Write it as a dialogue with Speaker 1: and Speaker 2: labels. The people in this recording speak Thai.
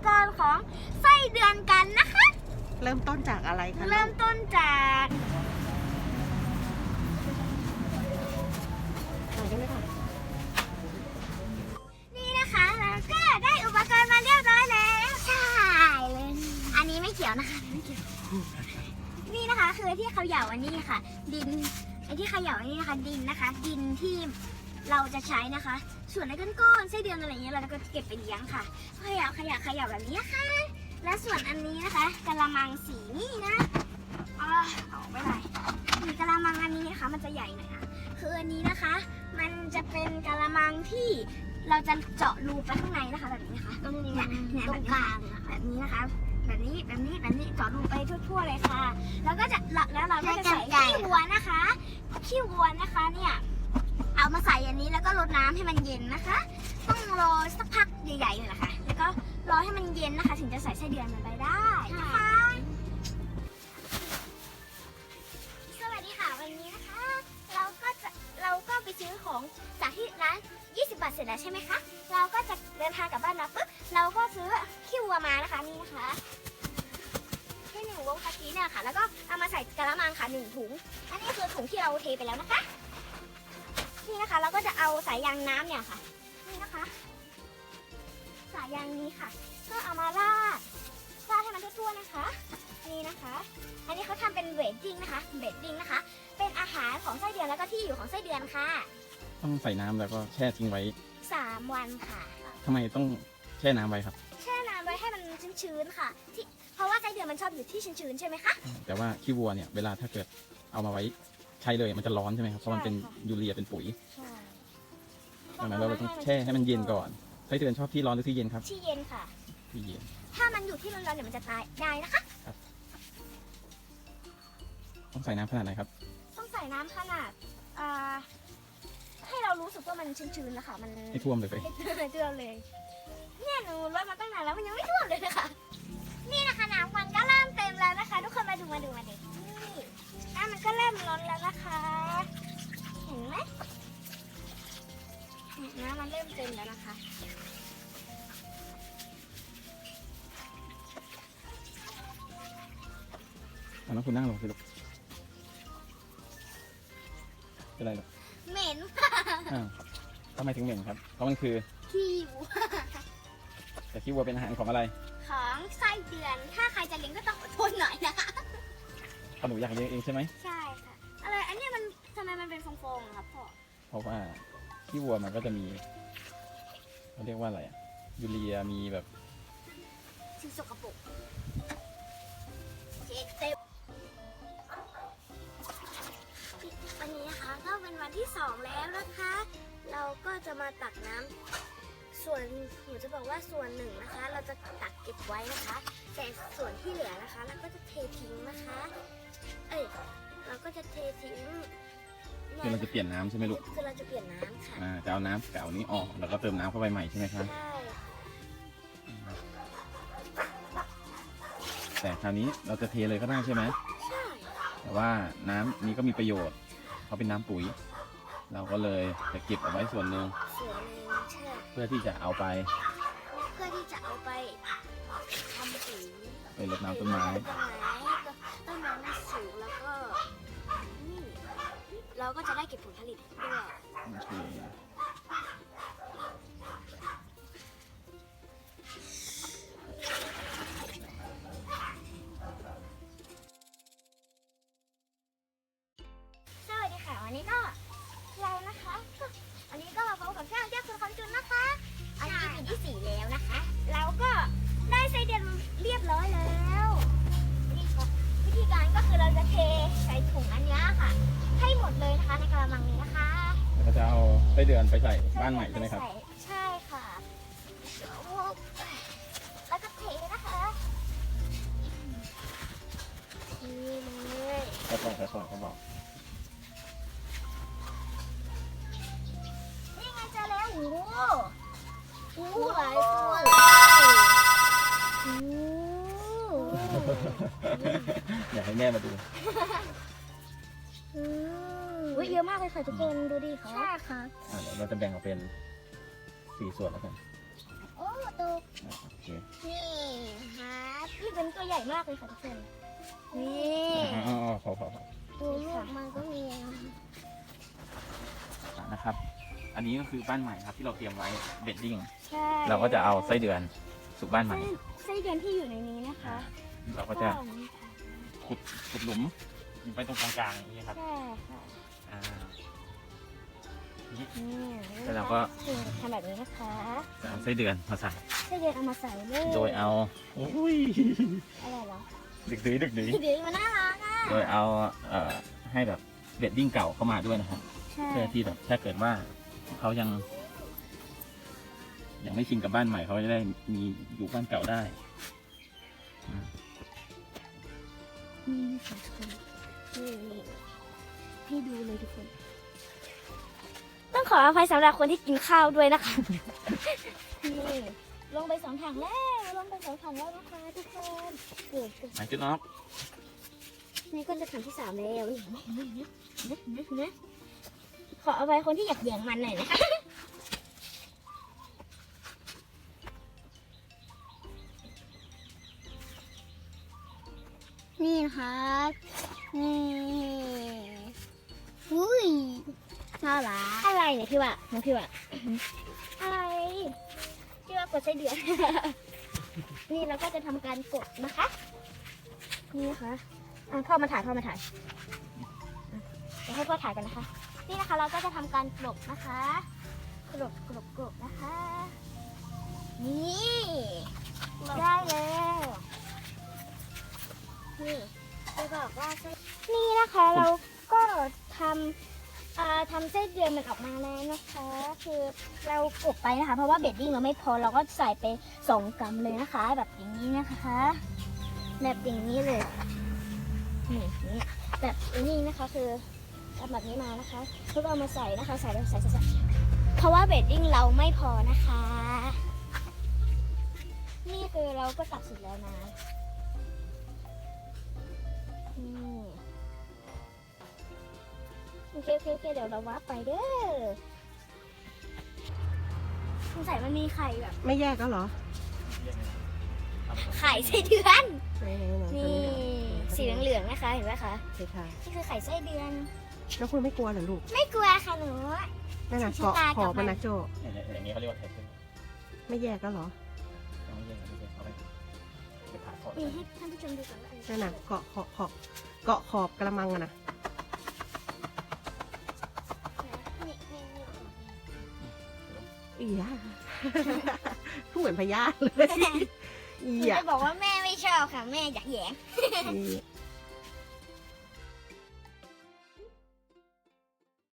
Speaker 1: กรณ์ของไส้เดือนกันนะคะ
Speaker 2: เริ่มต้นจากอะไรคะ
Speaker 1: เริ่มต้นจากนี่นะคะแล้วก็ได้อุปกรณ์มาเรียบร้อยแล้วใช่เลยอันนี้ไม่เกี่ยวนะคะไม่เกี่ยวนี่นะคะคือที่เขย่าอันนี้ค่ะดินไอ้ที่เขย่าอันนี้นะคะดินนะคะดินที่เราจะใช้นะคะส่วนไอ้ก้อนๆไส้เดือนอะไรเงี้ยเราก็เก็บไปเลี้ยงค่ะเขย่าแบบนี้ค่ะและส่วนอันนี้นะคะกะละมังสีนี่นะเอาไม่ได้มีกะละมังอันนี้นะคะมันจะใหญ่หน่อยนะคืออันนี้นะคะมันจะเป็นกะละมังที่เราจะเจาะรูไปข้างในนะคะแบบนี้นะคะตรงนี้เนี่ยแบบกลางแบบนี้นะคะแบบนี้เจาะรูไปทั่วๆเลยค่ะแล้วก็จะแล้วเราก็จะใส่ขี้วัวนะคะเนี่ยเอามาใส่อันนี้แล้วก็รดน้ำให้มันเย็นนะคะต้องรอสักพักใหญ่ๆเลยนะคะแล้วก็รอให้มันเย็นนะคะถึงจะใส่ไส้เดือนมันไปได้นะคะสวัสดีค่ะวันนี้นะคะเราก็ไปซื้อของจากที่ร้าน20 บาทเสร็จแล้วใช่ไหมคะเราก็จะเดินทางกลับบ้านมาปุ๊บเราก็ซื้อขี้วัวมานะคะนี่นะคะที่1 วงกะทิเนี่ยค่ะแล้วก็เอามาใส่กระมังค่ะ1 ถุงอันนี้คือถุงที่เราเทไปแล้วนะคะนี่นะคะเราก็จะเอาสายยางน้ำเนี่ยค่ะนี่นะคะสายยางนี้ค่ะก็เอามาราดให้มันทั่วๆนะคะนี่นะคะอันนี้เขาทำเป็นเบดดิ้งนะคะเป็นอาหารของไส้เดือนแล้วก็ที่อยู่ของไส้เดือนค่ะ
Speaker 3: ต้องใส่น้ำแล้วก็แช่ทิ้งไว้
Speaker 1: 3 วันค่ะ
Speaker 3: ทำไมต้องแช่น้ำไว้ครับ
Speaker 1: แช่น้ำไว้ให้มันชื้นๆค่ะเพราะว่าไส้เดือนมันชอบอยู่ที่ชื้นๆใช่ไหมคะ
Speaker 3: แต่ว่าขี้วัวเนี่ยเวลาถ้าเกิดเอามาไว้ใช้เลยมันจะร้อนใช่ไหมครับเพราะมันเป็นยูเรียเป็นปุ๋ยดังนั้นเราต้องแช่ให้มันเย็นก่อนไส้เดือนชอบที่ร้อนหรือที่เย็นครับ
Speaker 1: ที่เย็นค่ะ
Speaker 3: ที่เย็น
Speaker 1: ถ้ามันอยู่ที่ร้อนๆเดี๋ยวมันจะตายได้นะคะ
Speaker 3: ต้องใส่น้ำขนาดไหนครับ
Speaker 1: ต้องใส่น้ำขนาดให้เรารู้สึกว่ามันชื้นๆแล้วค่ะมัน
Speaker 3: ไม่ท่วมเลย
Speaker 1: ไม่ท่วมเลยเนี่ยหนูรดมาตั้งนานแล้วมันยังไม่ท่วมเลยนะคะนี่นะคะน้ำมันก็เริ่มเต็มแล้วนะคะทุกคนมาดูนี่น้ำมันก็เริ่มล้นแล้วนะคะเห็นไหมน้ำมันเริ่มเต็มแล้วนะคะ
Speaker 3: แล้วคุณนั่งลงสิลูกเป็นไรลูก
Speaker 1: เหม็น
Speaker 3: ทำไมถึงเหม็นครับเพราะมันคือ
Speaker 1: ขี้วัว
Speaker 3: แต่ขี้วัวเป็นอาหารของอะไร
Speaker 1: ของไส้เดือนถ้าใครจะเลี้ยงก็ต้องอดทนหน่อยนะคะ
Speaker 3: หนูอยากเลี้ยงเองใช่ไหม
Speaker 1: ใช่ค่ะอะไรอันนี้มันทำไมมันเป็นฟองๆครับพ่อ
Speaker 3: เพราะว่าขี้วัวมันก็จะมีเขาเรียกว่าอะไรยูเรียมีแบบ
Speaker 1: สิ่งสกปรกโอเคเต็มวันนี้นะคะก็เป็นวันที่2แล้วนะคะเราก็จะมาตักน้ำส่วนหนูจะบอกว่าส่วนหนึ่งนะคะเราจะตักเก็บไว้นะคะแต่ส่วนที่เหลือนะคะเราก็จะเททิ้งนะคะเราก็จะเททิ้ง
Speaker 3: คือเราจะเปลี่ยนน้ำใช่ไหมลูก
Speaker 1: คือเราจะเปลี่ยนน้ำค่ะ
Speaker 3: จะเอาน้ำเก่านี้ออกแล้วก็เติมน้ำเข้าไปใหม่ใช่ไหมครับ
Speaker 1: ใช่
Speaker 3: แต่คราวนี้เราจะเทเลยก็ได้ใช่ไหม
Speaker 1: ใช่
Speaker 3: แต่ว่าน้ำนี้ก็มีประโยชน์เพราะเป็นน้ำปุ๋ยเราก็เลยจะเก็บเอาไว้ส่วนหนึ่ง
Speaker 1: ใช่
Speaker 3: เพื่อที่จะเอาไป
Speaker 1: ทำปุ๋ย
Speaker 3: ไปรดน้ำต้นไม้
Speaker 1: ต้นไม้มันสูงแล้วก็นี่เราก็จะได้เก็บผลผลิตด้วยสวัสดีค่ะวันนี้ก็เรานะคะอันนี้ก็มาพบกับช่างแก้วคุณคำจุนนะคะอันนี้เป็นที่4แล้วนะคะแล้วก็ได้ไส้เดือนเรียบร้อยแล้ววิธีการก็คือเราจะเทใส่ถุงอันนี้ค่ะให้หมดเลยนะคะในกระมังนี้นะคะ
Speaker 3: เราจะเอาไส้เดือนไปใส่บ้านใหม่ใช่ไหมครับ
Speaker 1: ใช่ค่ะแล้วก็เทนะคะนี่เลย
Speaker 3: ค่อยๆเขาบอก
Speaker 1: นี่ไงจะแล้วโอ้หลายตัว
Speaker 3: อยากให้แม่มาดู
Speaker 1: เยอะมากเลยค่ะทุกคนดูดิค่ะใช่ค่ะ
Speaker 3: เดี๋ยวเราจะแบ่งออกเป็น4 ส่วนแล้วกัน
Speaker 1: โอ้ตก
Speaker 3: โอเค
Speaker 1: นี่ครับนี่เป็นตัวใหญ่มากเลยค่ะทุกคนนี่
Speaker 3: อ๋อพอ
Speaker 1: ดูลูกมันก็มี
Speaker 3: นะครับ อันนี้ก็คือบ้านใหม่ครับที่เราเตรียมไว้เบดดิ้ง
Speaker 1: ใช่
Speaker 3: เราก็จะเอาไส้เดือนสู่บ้านใหม่
Speaker 1: ไส้เดือนที่อยู่ในนี้นะคะ
Speaker 3: เราก็จะขุดหลุมไปตรงกลางๆอย่างนี้ครับ
Speaker 1: ใช่ค่ะ
Speaker 3: อ่า
Speaker 1: นี่
Speaker 3: แล้วเราก็
Speaker 1: ทำแบบนี้นะคะ
Speaker 3: จะเอาไส้เดือนมาใส่
Speaker 1: ไส้เดือนเอามาใส่เลย
Speaker 3: โดยเอาอุ้ย
Speaker 1: อะไรเหรอ
Speaker 3: ดึกดื้อ
Speaker 1: เดี๋ยวมันน่ารักอ่ะ
Speaker 3: โดยเอาให้แบบเบดดิ้งเก่าเข้ามาด้วยนะครับ
Speaker 1: ใช่
Speaker 3: เพื่อที่แบบถ้าเกิดว่าเขายังไม่ชินกับบ้านใหม่เขาจะได้มีอยู่บ้านเก่าได้
Speaker 1: นี่ค่ะทุกคนนี่ให้ดูเลยทุกคน ต้องขออภัยสำหรับคนที่กินข้าวด้วยนะคะ นี่ลงไป2 ถังแล้วลงไป2 ถังแล้วนะคะทุกคนเกิด
Speaker 3: หมายจุดน็อก
Speaker 1: นี่ก็จะถังที่ 3แล้วนะขออภัยคนที่อยากแย่งมันหน่อยนะคะนี่นะคะนี่อุ้ยน่ารักอะไรเนี่ยพี่วะน้องพี่วะอะไรพี่วะกดไส้เดือน นี่เราก็จะทำการกดนะคะนี่นะคะพ่อมาถ่ายอ่ะเดี๋ยวให้พ่อถ่ายกันนะคะ นี่นะคะเราก็จะทำการกลบนะคะกลบนะคะ นี่ได้แล้วนี่จะบอกว่านี่นะคะเราก็ทำไส้เดือนมันออกมาแล้วนะคะ คือเรากบไปนะคะ เพราะว่าเบดดิ้งเราไม่พอเราก็ใส่ไป2 กรัมเลยนะคะ แบบอย่างนี้นะคะ แบบอย่างนี้เลยนี่แบบนี้นะคะคือทำแบบนี้มานะคะแล้วก็เอามาใส่นะคะใส่เพราะว่าเบดดิ้งเราไม่พอนะคะ นี่คือเราก็ตัดเสร็จแล้วนะโอเคเดี๋ยวเราวาร์ปไปเด้อสงสัยมันมีไข่แบบ
Speaker 2: ไม่แยกก็เหรอ
Speaker 1: ไข่ไส้เดือน
Speaker 2: ไหน
Speaker 1: นี่สีเหลืองๆนะคะเห็นไหมคะ
Speaker 2: ใช่ค่ะ
Speaker 1: นี่คือไข่ไส้เดือน
Speaker 2: แล้วคุณไม่กลัวเหรอลูก
Speaker 1: ไม่กลัวค่ะหนู
Speaker 2: นั่นน่ะ
Speaker 1: สี
Speaker 2: เกาะ
Speaker 1: ชะตา
Speaker 2: ขอบ
Speaker 1: กับมั
Speaker 2: มัน นนะโจ
Speaker 3: อย่างนี้เขาเรียกว่าไทเทน
Speaker 2: ไม่แยกก็เหรอ
Speaker 3: ไม่ใช่เอาไปผ่าคอ
Speaker 1: นี่ให้ท่านผู้ชมดูก่อนว่าอั
Speaker 2: นั่นน่ะเกาะขอบกระมังอะนะ
Speaker 1: นี่
Speaker 2: อีย เหมือนพญาเลย
Speaker 1: หนู
Speaker 2: อีย
Speaker 1: จะบอกว่าแม่ไม่ชอบค่ะ แม่อยากแหยง
Speaker 2: อี